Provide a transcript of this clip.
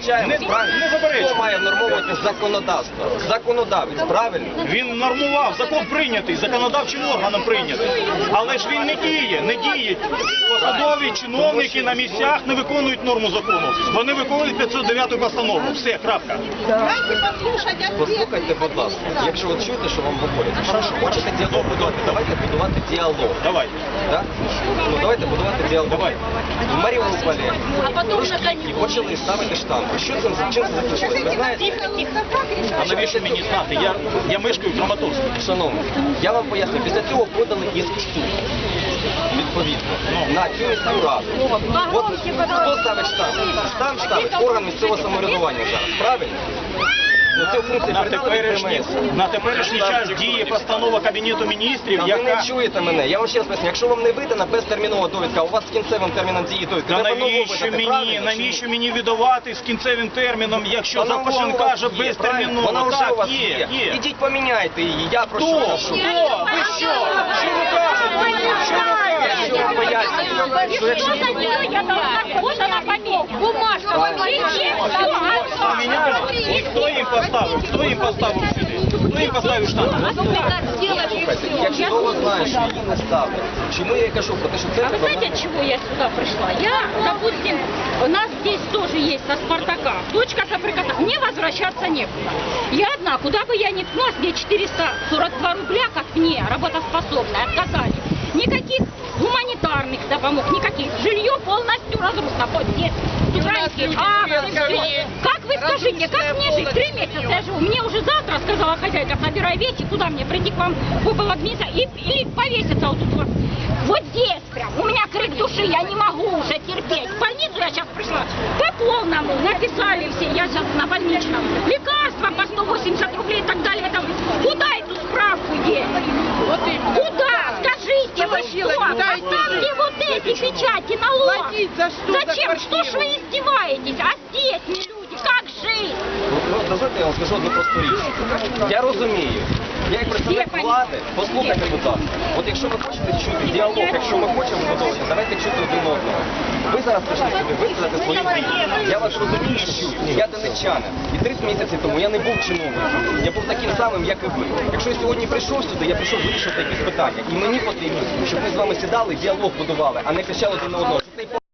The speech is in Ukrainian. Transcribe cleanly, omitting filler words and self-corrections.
заперечаємо, правильно? Не заперечуємо. Хто має внормовувати законодавство? Законодавець, правильно? Він нормував, закон прийнятий, законодавчим органом прийнятий. Але ж він не діє. Посадові чиновники на місцях не виконують норму закону. Вони виконують 509 постанову. Все, крапка. Послухайте, будь ласка, якщо ви чуєте, що вам говорять, хочете діалог будувати, давайте будувати діалог. Давайте. Так? Ну давайте будувати діалог. Давайте. В Маріуполі трошки почали ставити штампи. Що це, чим це закінчилось? Ви знаєте? А навіщо мені знати? Я мешкаю в Краматорську. Шановні, я вам поясню, після цього подали іск в суд. Відповідно, на цю міську раду. От хто ставить штамп? Штамп ставить орган місцевого самоврядування зараз, правильно? Ну, цю функцію передали ДМС. На теперішній час діє постанова Кабінету міністрів, Ви яка... не чуєте мене, я вам ще раз поясню, якщо вам не видана безтермінова довідка, а у вас з кінцевим терміном дії довідка, Та треба нову навіщо видати, правильно? навіщо мені видавати з кінцевим терміном, якщо Вона вже закон у вас каже є, правильно? Вона безтерміново? вже у Так, вас є. Ідіть поміняйте її, я про Хто? що кажу. Ви що? Що ви кажете? Що ви кажете? Я вам пояснюю, що якщо... Вот она поменяла. Бумажка Хто їм поставив? Хто їм поставив сюди? Хто їм поставив штамп? Слухайте, я чудово знаю, що її не ставлять. Чому я і кажу про те, що це Вы знаете, от чего я сюда пришла? Я, допустим, у нас здесь тоже есть со Спартака. Дочка Каприкота. Мне возвращаться некуда. Я одна, куда бы я ни ткнулась, мне 442 рубля, как мне, работоспособная, отказали. Никаких гуманитарных допомог, никаких. Жилье полностью разрушено. Вот здесь украинские акты, все. Как вы скажите, как мне жить? 3 месяца я живу. Мне уже завтра, сказала хозяйка, собирай вещи, куда мне прийти к вам в администрацию или повеситься вот тут вот. Вот здесь прям. У меня крик души, я не могу уже терпеть. В больницу я сейчас пришла. По полному написали все, я сейчас на больничном. Лекарства по 180 рублей и так далее. Там. Куда эту справку деть? Куда? Скажите, вы что? Поставьте вот эти печати налог. Зачем? Что ж вы издеваетесь? А здесь не люди, как жить? Ну, дозвольте, я вам скажу одну просту річ. Я розумію. Я як представник влади, послухайте, будь ласка. От якщо ви хочете чути діалог, якщо ми хочемо вибудовувати, давайте чути один одного. Ви зараз прийшли сюди висказати свої думки. Я вас розумію і чую. Я донеччанин. І 30 місяців тому я не був чиновником. Я був таким самим, як і ви. Якщо я сьогодні прийшов сюди, я прийшов вирішувати якісь питання. І мені потрібно, щоб ми з вами сідали, діалог будували, а не кричали один на одного.